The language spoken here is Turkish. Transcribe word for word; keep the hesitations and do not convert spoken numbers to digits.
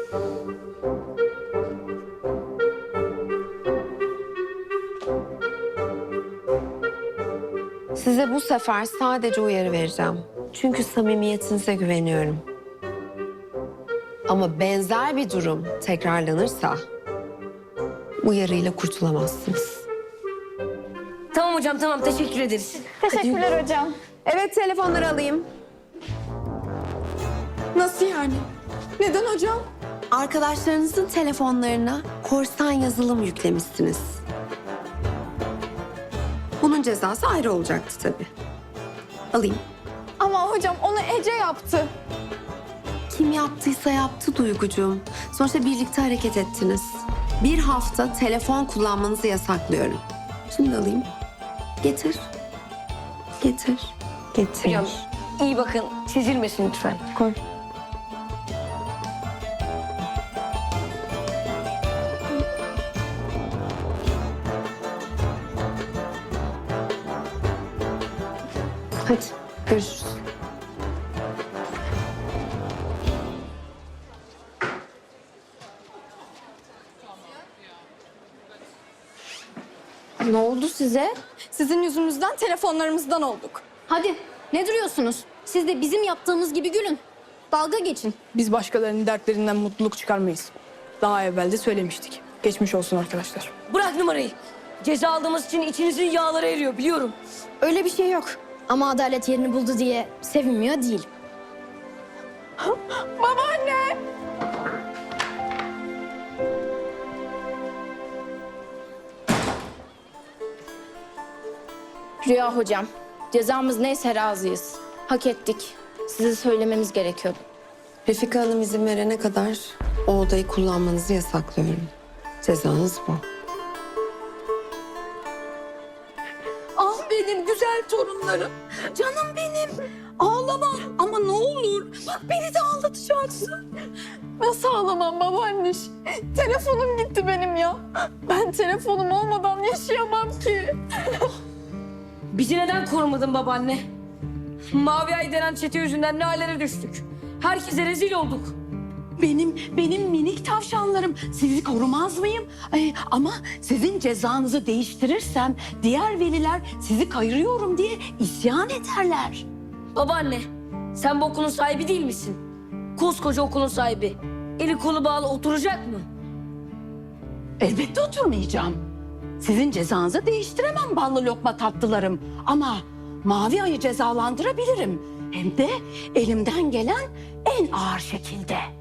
Size bu sefer sadece uyarı vereceğim. Çünkü samimiyetinize güveniyorum. Ama benzer bir durum tekrarlanırsa uyarıyla kurtulamazsınız. Tamam hocam, tamam. Teşekkür ederiz. Teşekkürler hocam. Evet, telefonları alayım. Nasıl yani? Neden hocam? Arkadaşlarınızın telefonlarına korsan yazılım yüklemişsiniz. Bunun cezası ayrı olacaktı tabii. Alayım. Ama hocam onu Ece yaptı. Kim yaptıysa yaptı Duygucuğum. Sonuçta birlikte hareket ettiniz. Bir hafta telefon kullanmanızı yasaklıyorum. Şimdi alayım. Getir. Getir. Getir. Hocam iyi bakın. Çizilmesin lütfen. Koy. Hadi görüşürüz. Ne oldu size? Sizin yüzünüzden telefonlarımızdan olduk. Hadi ne duruyorsunuz? Siz de bizim yaptığımız gibi gülün. Dalga geçin. Biz başkalarının dertlerinden mutluluk çıkarmayız. Daha evvel de söylemiştik. Geçmiş olsun arkadaşlar. Bırak numarayı. Ceza aldığımız için içinizin yağları eriyor, biliyorum. Öyle bir şey yok. Ama adalet yerini buldu diye sevinmiyor değil. Babaanne! Rüya hocam, cezamız neyse razıyız. Hak ettik. Size söylememiz gerekiyordu. Refika Hanım izin verene kadar o odayı kullanmanızı yasaklıyorum. Cezanız bu. Ah benim güzel torunlarım. Canım benim. Ağlama ama ne olur. Bak beni de ağlatacaksın. Nasıl ağlamam babaanne? Telefonum gitti benim ya. Ben telefonum olmadan yaşayamam ki. Bizi neden korumadın babaanne? Mavi Ay denen çete yüzünden ne hallere düştük. Herkese rezil olduk. Benim benim minik tavşanlarım. Sizi korumaz mıyım? Ay, ama sizin cezanızı değiştirirsem diğer veliler sizi kayırıyorum diye isyan ederler. Babaanne, sen bu okulun sahibi değil misin? Koskoca okulun sahibi. Eli kolu bağlı oturacak mı? Elbette oturmayacağım. Sizin cezanızı değiştiremem ballı lokma tatlılarım. Ama Mavi Ay'ı cezalandırabilirim. Hem de elimden gelen en ağır şekilde.